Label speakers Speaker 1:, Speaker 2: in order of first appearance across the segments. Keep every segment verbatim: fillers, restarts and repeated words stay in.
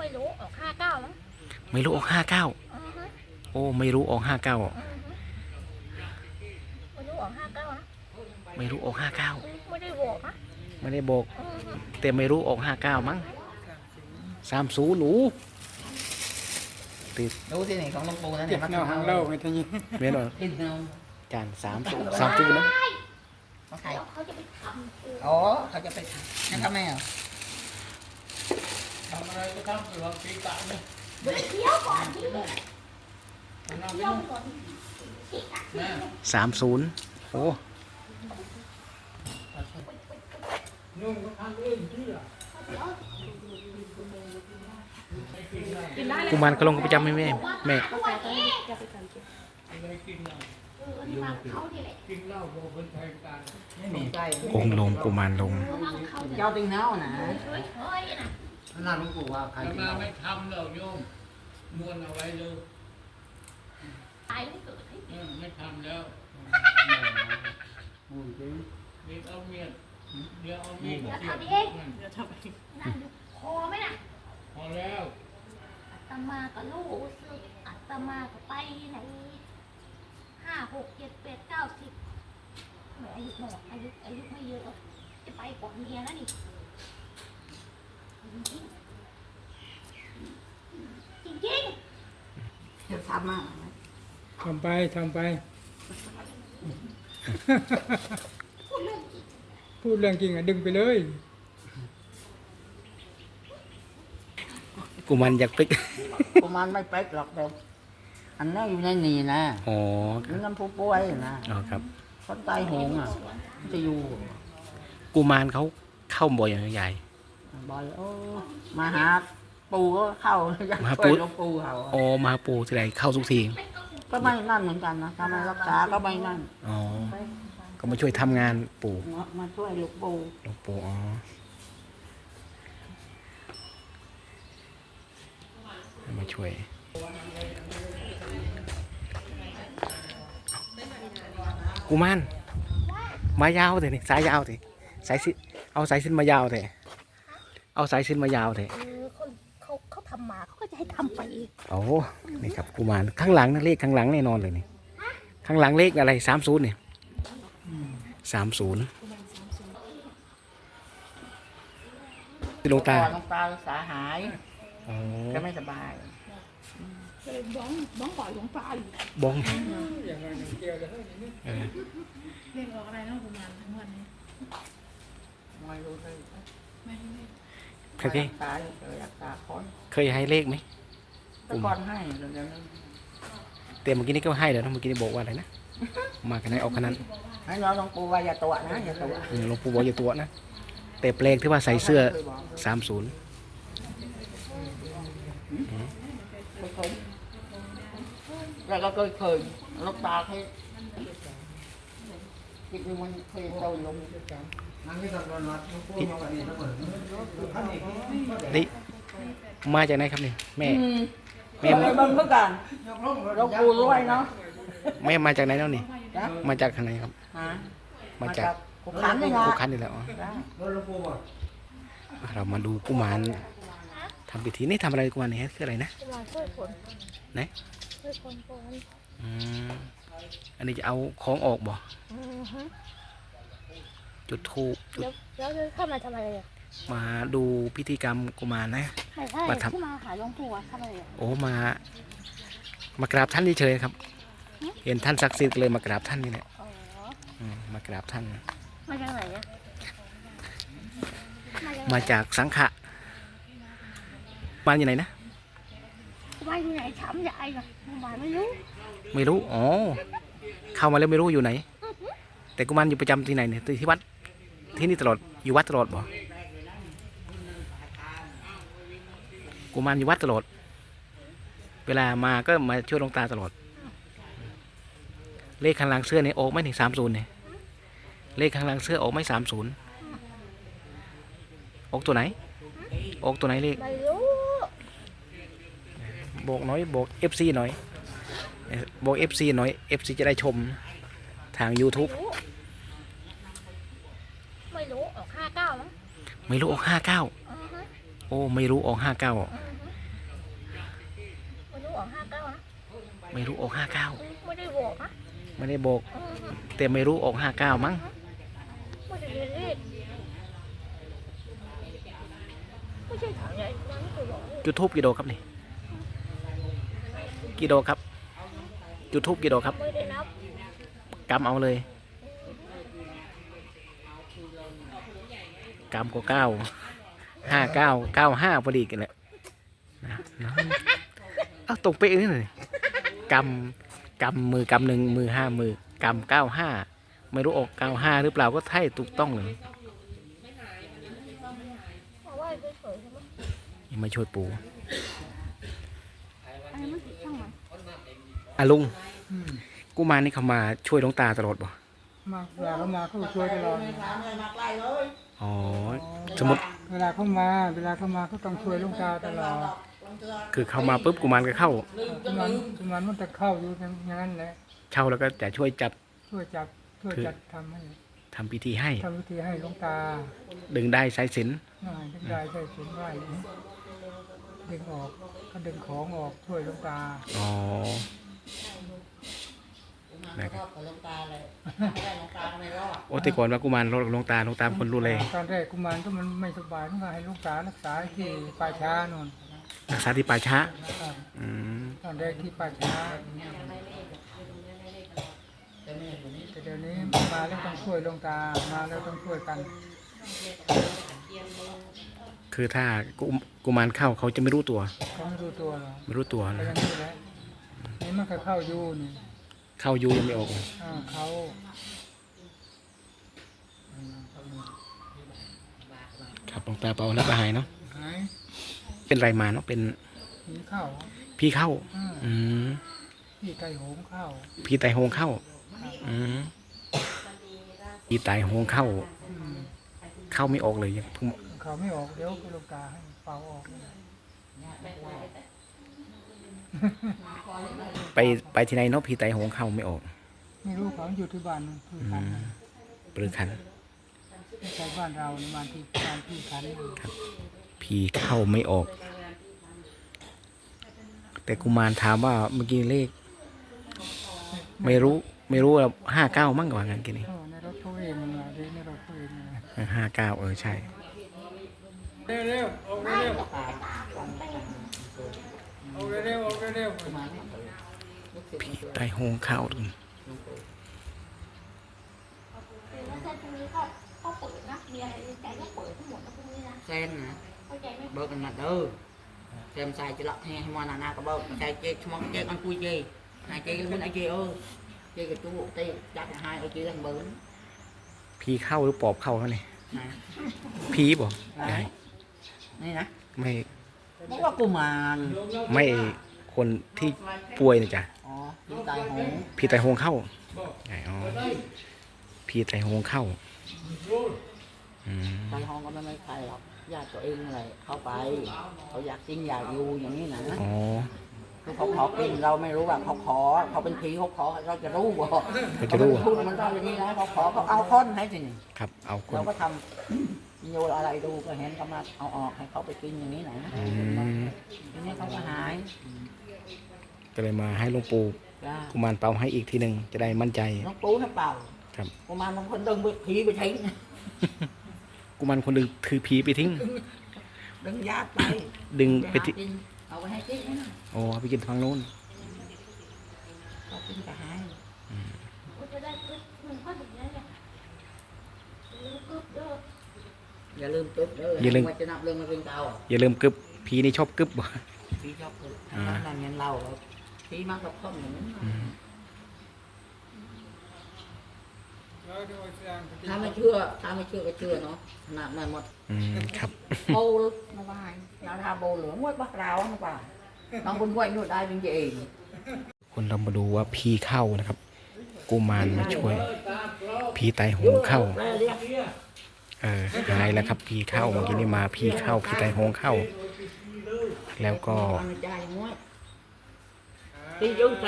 Speaker 1: ไม่รู้ออกห้าเก้ามั้ง
Speaker 2: ไม่รู้ออกห้าเก้าโอ้ไม่รู้ออกห้าเก้า
Speaker 1: ไม่รู้ออกห้าเก้านะ
Speaker 2: ไม่รู้ออกห้าเก้า
Speaker 1: ไม่ได้บอกนะ
Speaker 2: ไม่ได้บอกแต่ไม่รู้ออกห้าเก้ามั้งสามศูนย์หนูติด
Speaker 3: ดูที่นี่ของหลวงปู่นั่นเนี่ยมันเอา
Speaker 4: เล่าไม่ทันยี่
Speaker 2: เมียนอน
Speaker 3: กินเอา
Speaker 2: จานสามศูนย์สามศูนย์นะ
Speaker 3: เขาใครเขาจะไปทำอ๋อเขาจะไปทำนั่นทำไมอ่ะ
Speaker 4: ทำอะไรก็ทำอยู่ลองตีตาเนี่ย
Speaker 1: เดี๋ยวเคี้ยวก่อนที่เคี้ยวก่อน
Speaker 2: สามศูนย์โอ้
Speaker 4: นุ่งก็ทำเองที่อ่ะ
Speaker 2: กุมารกระลงก็ประจำไหมแม่แม่องค์ลงกุมารลง
Speaker 3: เจ้าติงเท้านะ
Speaker 4: นั่นหลวงปู่ว่าใครมาไม่ทำแล้วโยมม้วนเอาไว้เลยไม่ทำแล้วเดี๋ยวเอาเมียเดี๋ยวเอาเมียเสียบเดี๋ยวทำเอง
Speaker 1: พอไหมน่ะ
Speaker 4: พอแล้ว
Speaker 1: อัตมากับลูกสึกอัตมาก็ไปไหนห้าหกเจ็ดแปดเก้าสิบอายุหนอกอายุอายุไม่เยอะจะไปก่อนเมียนะนี่จริงจริง
Speaker 3: จะทำมา
Speaker 4: ทำไปทำไปพูดเรื่องจริงอ่ะดึงไปเลย
Speaker 2: กุมารอยากปิก
Speaker 3: กุมารไม่เป๊กหรอกเดี๋ยวอันนั้นอยู่ในนี่นะ
Speaker 2: อ๋อ
Speaker 3: นี่น้ำผู้ป่วยนะ
Speaker 2: อ๋อครับ
Speaker 3: คนตายโหงอ่ะจะอยู่
Speaker 2: กุมารเขาเข้าบ่อยอย่างใหญ่
Speaker 3: บ่อยโอ้มาหาปูก็เข้า
Speaker 2: มาปู
Speaker 3: ปูเขา
Speaker 2: อ๋อมาปูที่ไหนเข้าทุกที
Speaker 3: ก็ไม่นั่นเหมือนกันนะทำไมรักษาก็ไม่นั่น
Speaker 2: อ๋อก็มาช่วยทำงานปู่
Speaker 3: มาช่วยลูกปู
Speaker 2: ลูกปู่อ๋อมาช่วยกุมารมายาวเถอะนี่สายยาวเถอะสายสิเอาสายสิ้นมายาวเถอะเอาสายสิ้นมายาวเถอะ
Speaker 1: เขาเขาทำมาเขาก็จะให้ทำไปอีก
Speaker 2: โอ้นี่ครับกุมารข้างหลังนะเลขข้างหลังแน่นอนเลยนี่ข้างหลังเลขอะไรสามศูนย์เนี่ยสามศูนย์ที่ลงตา
Speaker 3: ลงตาสาหายก็ไม่สบาย
Speaker 1: บ้องบ้องก่อนหลวงตา
Speaker 2: บ้อง
Speaker 1: เรียกออกอะไรนะกุมารทั้งวันนี้
Speaker 3: ไม่รู้เลย
Speaker 2: เคยเคยให้เลขไหม
Speaker 3: ตะกอนให้เดี๋ยวนั้น
Speaker 2: แต่เมื่อกี้นี้ก็ให้แล้วนะเมื่อกี้นี้บอกว่าอะไรนะมากันไหนออกขนาด
Speaker 3: ให้น้องหลวงปู่ว่าอย่าตัวนะอย่าตัว
Speaker 2: หลวงปู่บอกอย่าตัวนะแต่เปลกที่ว่าใส่เสื้อสามศูนย์
Speaker 3: แล้วก็เคยเคยลูกตาให้คิดว่ามันเคยโตลง
Speaker 2: นี่มาจากไหนครับนี่แม่
Speaker 3: แม่มาเพื่อกันเราปูรวยเนาะ
Speaker 2: แม่มาจากไหนแล้วนี่มาจากทางไหนครับมาจาก
Speaker 3: กุขันนี่นะ
Speaker 2: กุขันนี่แหละเรามาดูกุมารทำพิธีนี่ทำอะไรกุมารนี่คืออะไรนะไหนอันนี้จะเอาของออกบ่จุดธูป
Speaker 1: แล้วเข้ามาทำอะไร
Speaker 2: มาดูพิธีกรรมกุมารนะ
Speaker 1: มาทำมาหาหลวงปู่ทำอะไร
Speaker 2: โอ้มามากราบท่านเฉยๆครับเห็นท่านศักดิ์สิทธิ์เลยมากราบท่านนี่แหละมากราบท่าน
Speaker 1: มาจากไหนอะ
Speaker 2: มาจากสังขะมาอยู่ไหนนะ
Speaker 1: มาอยู่ไหนช้ำใหญ่อะมาไม่รู้
Speaker 2: ไม่รู้อ๋อเข้ามาแล้วไม่รู้อยู่ไหนแต่กุมารอยู่ประจำที่ไหนเนี่ยที่วัดที่นี่ตลอดอยู่วัดตลอดบ่กุมารอยู่วัดตลอดเวลามาก็มาช่วยหลวงตาตลอดเลขข้างหลังเสื้อเนี่ยออกไหมถึงสามศูนย์เนี่ยเลขข้างหลังเสื้อออกไหมสามศูนย์ออกตัวไหนออกตัวไหนเลขบอกน้อยบอกเอฟซีหน่อยบอกเอฟซีหน่อยเอฟซีจะได้ชมทาง ยูทูบ
Speaker 1: ไม่รู้ออกห้าเก้ามั้ง
Speaker 2: ไม่รู้ออกห้าเก้าโอ้ไม่รู้ออกห้าเก้าไม่รู้ออกห้าเก้า
Speaker 1: ไม่ได้บอกนะ
Speaker 2: ไม่ได้บอกแต่ไม่รู้ออกห้าเก้ามั้ง
Speaker 1: ไม่ได้เรียนเลขไม่ใช่ถามใหญ่นั้นเคยบอกเลข
Speaker 2: จุดทูบกี่ดอกครับนี่กี่ดอกครับจุดทูบกี่ดอกครับ
Speaker 1: ไม่ได้นับ
Speaker 2: กำเอาเลยกำก็เก้าห้าเก้าเก้าห้าพอดีกันแหละนะนะเอาตรงเป๊ะนี่เลยกำกำมือกำหนึ่งมือห้ามือกำเก้าห้าไม่รู้ออกเก้าห้าหรือเปล่าก็ใช่ถูกต้องเลย
Speaker 1: เพราะว่าไม่เฉยใช่ไหม
Speaker 2: ยังมาช่วยปู่
Speaker 1: อันนี้มันติดช่างมัน
Speaker 2: อ่ะลุง
Speaker 3: อืม
Speaker 2: กูมารนี่เขามาช่วยหลวงตาตลอดบ่
Speaker 3: มาเวลาเขามาเขาก็ช่วยตลอด
Speaker 2: อ๋อสมมติ
Speaker 3: เวลาเขามา เวลาเขามาเขาต้องช่วยหลุงตาตลอด
Speaker 2: คือเขามาปุ๊บกูมารก็เข้า
Speaker 3: กุมารกุมารมันจะเข้าอยู่อย่างนั้นแหละ
Speaker 2: เช่าแล้วก็จะช่วยจัด
Speaker 3: ช่วยจับช่วยจัดทำให้
Speaker 2: ทำพิธีให้
Speaker 3: ทำวิธีให้หลุงตา
Speaker 2: ดึงได้สายสิญจน
Speaker 3: หน่อยดึงได้ใช่สินไหวดึงออกก็ดึงของออกช่วยหลุงตา
Speaker 2: อ๋อนะครับ
Speaker 3: หลุงตาเลยไม่ได้หลุงตาไม่รอด
Speaker 2: โอ้แต่ก่อนว่ากูมารหลวงตาหลวงตาเป็นคนรู้เลย
Speaker 3: ตอนแรกกุมารก็มันไม่สบายต้องให้หลุงตารักษาที่ป่าช้านู่น
Speaker 2: รักษาที่ป่าช้า
Speaker 3: ครับ
Speaker 2: อืม
Speaker 3: ตอนแรกที่ป่าช้าแต่เดี๋ยวนี้มาแล้วต้องช่วยหลวงตามาแล้วต้องช่วยกัน
Speaker 2: คือถ้ากูกูมารเข้าเขาจะไม่รู้ตัว
Speaker 3: เขาไม่รู้ตัวหรอก
Speaker 2: ไม่รู้ตัว
Speaker 3: แต่
Speaker 2: นะ
Speaker 3: อยังนี้แหละนี่มันก็เข้าอยู่นี่
Speaker 2: เข้าอยูยังไม่ออก
Speaker 3: อ่าเขา
Speaker 2: ครับหลวงตาเปาแล้วก็หายเนาะ
Speaker 3: หาย
Speaker 2: เป็นไรมาเนาะเป็น
Speaker 3: ผีเข้า
Speaker 2: พี่เข้า
Speaker 3: อ่า
Speaker 2: อืม
Speaker 3: ผีไก่โหงเข้า
Speaker 2: พี่ไตโหงเข้า อืมพี่ไตโหงเข้า
Speaker 3: อืม
Speaker 2: เข้าไม่ออกเลยยังเพิ่ง
Speaker 3: เขาไม่ออกเดี๋ยวหลวงตาให้เป่าออก
Speaker 2: ไปไปที่ไหนเนาะพี่ไตโหงเข้าไม่ออก
Speaker 3: ไม่รู้เขาอยู่ที่บ้านนู่นที่
Speaker 2: อื
Speaker 3: คัน
Speaker 2: มปรือคัน
Speaker 3: ไม่ใช่บ้านเราในบ้านที่บ้านที่คัน
Speaker 2: พี่เข้าไม่ออก แต่กุมารถามว่าเมื่อกี้เลข ไม่รู้ไม่รู้ว่าห้าเก้ามั่งกว่างั้นกินนี่
Speaker 3: เออในรถเขาเองมันมาในรถเขาเองนะ
Speaker 2: ห้าเก้าเออใช่
Speaker 3: เร็วเร็วออกเร็วออกเร็วออกเร็ว
Speaker 2: พี่ไตโหงเข้า
Speaker 1: แล้วเส้นพวกนี้ก็ก็เปิดนะมีอะไรในใจก็เปิดทั้งหมดนะพวกนี้นะ
Speaker 5: เส้นนะ
Speaker 1: เข้าใจไหม
Speaker 5: เบิกกันมาเด้อเต็มใส่จะหลับแห้งให้มันนานาก็เบิกใส่เจ๊ชมองเจ๊กันคุยเจ๊หายเจ๊มันไอ้เจ๊เออเจ๊กับตู้เจ๊จับหายไอ้เจ๊กันเบิ้ล
Speaker 2: พี่เข้าหรือปอบเข้าเขาเนี่ย
Speaker 5: นะ
Speaker 2: พี่บอกยาย
Speaker 5: นี่นะ
Speaker 2: ไม่
Speaker 5: บอกว่ากูมาร
Speaker 2: ไม่คนที่ป่วยนะจ๊ะ
Speaker 5: อ๋อพี่ตายหง
Speaker 2: พี่ไตโหงเข้าไงอ๋อพี่ไตโหงเข้าอืม
Speaker 5: ตายหงก็ไม่ไม่ใครหรอกญาติตัวเองอะไรเข้าไปเขาอยากกินอยากอยู่อย่างนี้นะ
Speaker 2: อ๋อ
Speaker 5: คือเขาขอกินเราไม่รู้ว่าเขาขอเขาเป็นผีเขาขอเราจะรู้บ่
Speaker 2: เขาจะรู้
Speaker 5: พูดมันต้องอย่างนี้นะเขาขอเขาเอาค้อนให้สิ
Speaker 2: ครับเอาคน
Speaker 5: เราก็ทำโยนอะไรดูก็เห็นเขามาเอาออกให้เขาไปกินอย่างนี้นะ
Speaker 2: อืม
Speaker 5: ทีนี้เขาก็หาย
Speaker 2: ก็เลยมาให้หลวงปู่
Speaker 5: จ้า
Speaker 2: กุมารเป่าให้อีกทีหนึ่งจะได้มั่นใจ
Speaker 5: น้องปูให้เป่า
Speaker 2: ครับ
Speaker 5: กูมาบางคนดึงไปผีไปทิ้ง
Speaker 2: กุมารคนหนึ่งถือผีไปทิ้ง
Speaker 5: ดึงญาติไป
Speaker 2: ดึง
Speaker 5: ไป
Speaker 2: ไป
Speaker 5: หา
Speaker 2: ทิ้ง
Speaker 5: กินเอาไปให้กินนะ
Speaker 2: โอ้เอาไปกินทางโน้น
Speaker 5: เขากินก็หาย
Speaker 1: ก็จะได้ปึ๊บมันก็ถึงนั้นเนี่ยปึ๊บเด้อ
Speaker 5: อย่าลืมตึ๊บเด้อ
Speaker 2: อย่าลืม
Speaker 5: ว่าจะนับเรื่องมาเป็นเตา
Speaker 2: อย่าลืมกึบผีนี่ชอบกึบบ่
Speaker 5: ผีชอบตึ๊บทำนั่นเงินเราผีมากกับข้อมอย่างนี้
Speaker 2: อืม
Speaker 5: ถ้าไม่เชื่อถ้าไม่เชื่อก็เชื่อเนาะขนาดนั้นหมด
Speaker 2: อืมครับ
Speaker 5: โบลมาว่าเราทาโบเหลืองไว้บ้าเรามาว่าน้องคนไว้นู่นได้เป็นเอง
Speaker 2: คนเรามาดูว่าผีเข้านะครับ กุมารมาช่วยผีไตโหงเข้า เออหายแล้วครับผีเข้าเมื่อกี้นี่มาผีเข้าผีไตโหงเข้า แล้วก็
Speaker 5: ที่ยุ่งกัน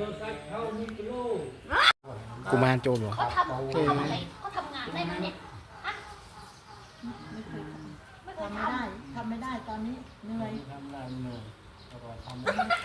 Speaker 2: กุมารโจรเหรอ
Speaker 1: เขาทำเขาทำอะไรเขาทำงานได้ไหมเนี่ยฮะไม่เคย
Speaker 3: ทำ
Speaker 1: ท
Speaker 3: ไม่ได้ทำไม่ได้ตอนนี้เหนื่อย
Speaker 2: อ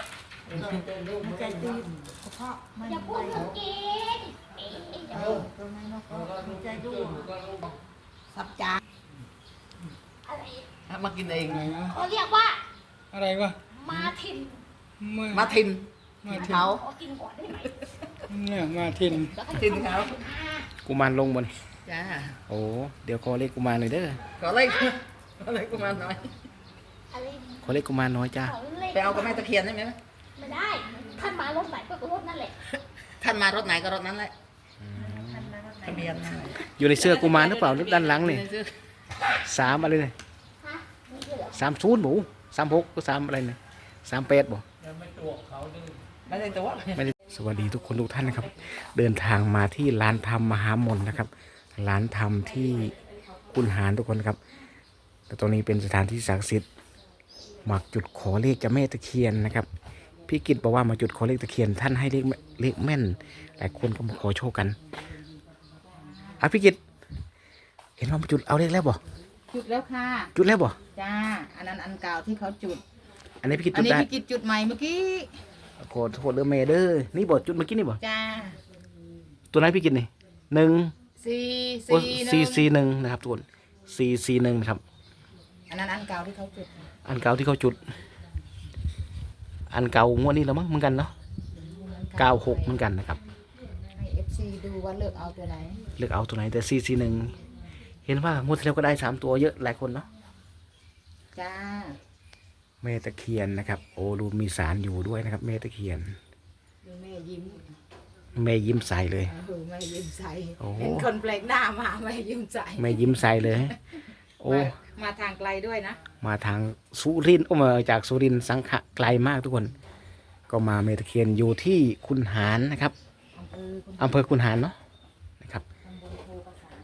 Speaker 5: มันใจตีกระเพาะมัน
Speaker 1: อย่าพูดถึงกินเอ๊ะอย่าพูด
Speaker 5: ตรงนั้นเนาะมันใจดูสับจาน
Speaker 1: อะไร
Speaker 5: มากินเอง
Speaker 3: อะไรนะ
Speaker 1: เขาเรียกว่า
Speaker 3: อะไรวะ
Speaker 1: มาทิน
Speaker 3: มา
Speaker 5: มาทิม
Speaker 3: มาทิน
Speaker 5: เขา
Speaker 1: ขอกินก่อนได้ไหม
Speaker 3: เนี่ยมาทิน
Speaker 1: แล้วก็
Speaker 5: ทิมเขา
Speaker 2: กุมารลงบน
Speaker 5: จ้า
Speaker 2: โอ้เดี๋ยวขอเลขกุมารหน่อยเด้อ
Speaker 5: ขอเล็กขอเล็กกูมาหน่อย
Speaker 1: อะไร
Speaker 2: ขอเลขกุมารน้อยจ้า
Speaker 1: ขอเลข
Speaker 5: ไปเอากับแม่ตะเคียนได้ไหม
Speaker 1: ไม่ได้ท่านมารถไหนก็รถนั่นแหละ
Speaker 5: ท่านมารถไหนก็รถนั้นแหละทะเบียนนั่นแหละ
Speaker 2: อยู่ในเสื้อกุมารหรือเปล่าหรือด้านหลังนี่สามอะไรเนี่ย
Speaker 1: ฮะนี่คือเหรอ
Speaker 2: สามศูนย์หมูสามหกก็สามอะไรเนี่ยสามแปดบ่
Speaker 4: ยังไม่ตัวเขาดื้อ
Speaker 5: ไม่ได้ตัว
Speaker 2: ไม่ได้สวัสดีทุกคนทุกท่านนะครับ เดินทางมาที่ร้านธรรมมหามนนะครับร้านธรรมที่คุนหารทุกคนครับแต่ตรงนี้เป็นสถานที่ศักดิ์สิทธิ์มาจุดขอเลขเจ้าแม่ตะเคียนนะครับพี่กิตบอกว่ามาจุดขอเลขตะเคียนท่านให้เลขเลขแม่นหลายคนก็มาขอโชคกันอ่ะพี่กิตเห็นว่ามาจุดเอาเลขแล้วบ่
Speaker 6: จุดแล้วค่ะ
Speaker 2: จุดแล้วบ่
Speaker 6: จ้า อันนั้นอันเก่าที่เขาจุด
Speaker 2: อันนี้พี่กิต
Speaker 6: อัน
Speaker 2: จุด
Speaker 6: นี้
Speaker 2: ได้
Speaker 6: พี่กิจจุดใหม่เมื่อกี้
Speaker 2: ขอโทษเด้อแม่เด้อนี่บ่จุดเมื่อกี้นี่บ่
Speaker 6: จ้า
Speaker 2: ตัวไหนพี่กิตนี่หนึ่ง
Speaker 6: สี่
Speaker 2: โอ้
Speaker 6: สี่ห
Speaker 2: ซี
Speaker 6: นึ่ง
Speaker 2: ซีหนึ่งนะครับทุกคนซีซีหนึ่งนะครับ
Speaker 6: อันนั้นอันเก่าที่เขาจุด
Speaker 2: อันเก่าที่เขาจุด อันเก่างวดนี้แล้วมั้งเหมือนกันเนาะเก้าหกเหมือนกันนะครับ
Speaker 6: ให้เอฟซีดูว่าเลือกเอาตัวไหน
Speaker 2: เลือกเอาตัวไหนแต่ซีซีหนึ่งเห็นว่างวดที่แล้วก็ได้สามตัวเยอะหลายคนเนาะ
Speaker 6: จ้า
Speaker 2: แม่ตะเคียนนะครับ โอ้ดูมีสารอยู่ด้วยนะครับแม่ตะเคียน
Speaker 6: ดูแม่ยิ้ม
Speaker 2: แม่ยิ้มใส่เลย
Speaker 6: ดูแม่ยิ้มใส่
Speaker 2: โอ้โห
Speaker 6: เห็นคนแปลกหน้ามาแม่ยิ้มใส่
Speaker 2: แม่ยิ้มใส่เลย โอ้
Speaker 6: มามาทางไกลด้วยนะ
Speaker 2: มาทางสุรินทร์โอ้มาจากสุรินทร์สังขะไกลมากทุกคน ก็มาแม่ตะเคียนอยู่ที่คุนหารนะครับ
Speaker 6: อำเภอคุณ
Speaker 2: อำเภอคุนหารเนาะนะครับ
Speaker 6: ตำบลโพประสาน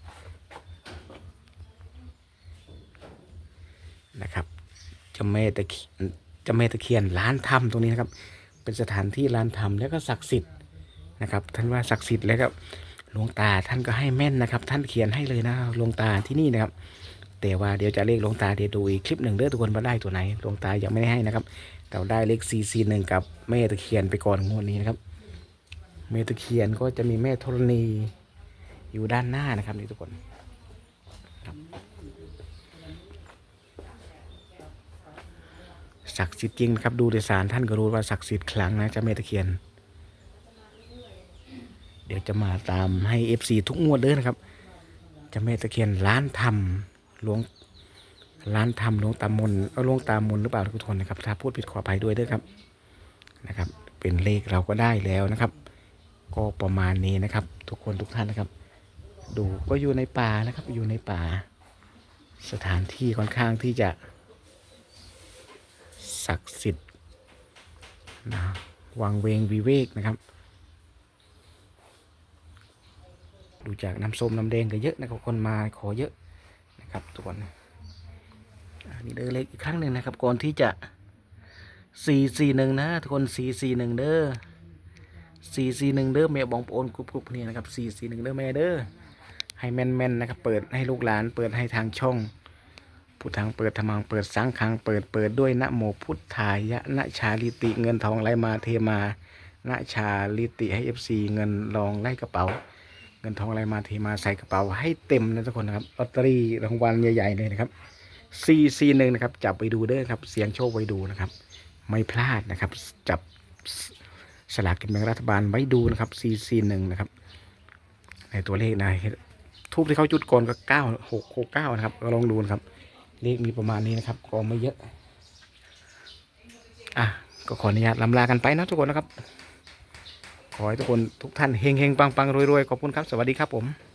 Speaker 2: นะครับเจ้าแม่ตะเคียนเจ้าแม่ตะเคียนร้านธรรมตรงนี้นะครับ เป็นสถานที่ร้านธรรมแล้วก็ศักดิ์สิทธิ์นะครับท่านว่าศักดิ์สิทธิ์แล้วก็หลวงตาท่านก็ให้แม่นนะครับ ท่านเขียนให้เลยนะหลวงตาที่นี่นะครับ แต่ว่าเดี๋ยวจะเลขหลวงตาเดี๋ยวดูอีกคลิปหนึ่งเด้อทุกคนว่าได้ตัวไหนหลวงตายังไม่ได้ให้นะครับแต่ได้เลขซีซีหนึ่งกับแม่ตะเคียนไปก่อนงวดนี้นะครับแม่ตะเคียนก็จะมีแม่ธรณีอยู่ด้านหน้านะครับนี่ทุกคนครับ ศักดิ์สิทธิ์จริงนะครับดูในสารท่านก็รู้ว่าศักดิ์สิทธิ์ครั้งนะเจ้าแม่ตะเคียน เดี๋ยวจะมาตามให้ เอฟ ซี ทุกงวดเลยนะครับเจ้าแม่ตะเคียนล้านธรรมหลวงล้านธรรมหลวงตามนเอาหลวงตามนหรือเปล่าทุกคนนะครับถ้าพูดผิดขออภัยด้วยด้วยครับนะครับ เป็นเลขเราก็ได้แล้วนะครับ ก็ประมาณนี้นะครับ ทุกคนทุกท่านนะครับ ดูก็อยู่ในป่านะครับอยู่ในป่า สถานที่ค่อนข้างที่จะศักดิ์สิทธิ์นะวังเวงวิเวกนะครับดูจากน้ำส้มน้ำแดงก็เยอะนะครับคนมาขอเยอะนะครับทุกคนอันนี้เด้อเล็กอีกครั้งหนึ่งนะครับก่อนที่จะสี่สี่หนึ่งนะทุกคนสี่สี่หนึ่งเด้อสี่สี่หนึ่งเด้อแม่บองโอนกรุบกรุบนี่นะครับสี่สี่หนึ่งเด้อแม่เด้อให้แม่นแม่นนะครับเปิดให้ลูกหลานเปิดให้ทางช่องพุทธังเปิดธรรมังเปิดสังฆังเปิดเปิดด้วยนะโมพุทธายะนะชาลิติเงินทองไหลมาเทมานะชาลิติให้เอฟซีเงินรองไล่กระเป๋าเงินทองไหลมาเทมาใส่กระเป๋าให้เต็มนะทุกคนนะครับลอตเตอรี่รางวัลใหญ่ๆเลยนะครับสี่สี่หนึ่งนะครับจับไปดูเด้อครับเสียงโชคไว้ดูนะครับไม่พลาดนะครับจับสลากกินแบ่งรัฐบาลไว้ดูนะครับสี่สี่หนึ่งนะครับในตัวเลขนะทูบที่เขาจุดก่อนก็เก้าหกหกเก้านะครับก็ลองดูนะครับเลขมีประมาณนี้นะครับก็ไม่เยอะอ่ะก็ขออนุญาตลำลากันไปนะทุกคนนะครับขอให้ทุกคนทุกท่านเฮงเฮงปังปังรวยรวยขอบคุณครับสวัสดีครับผม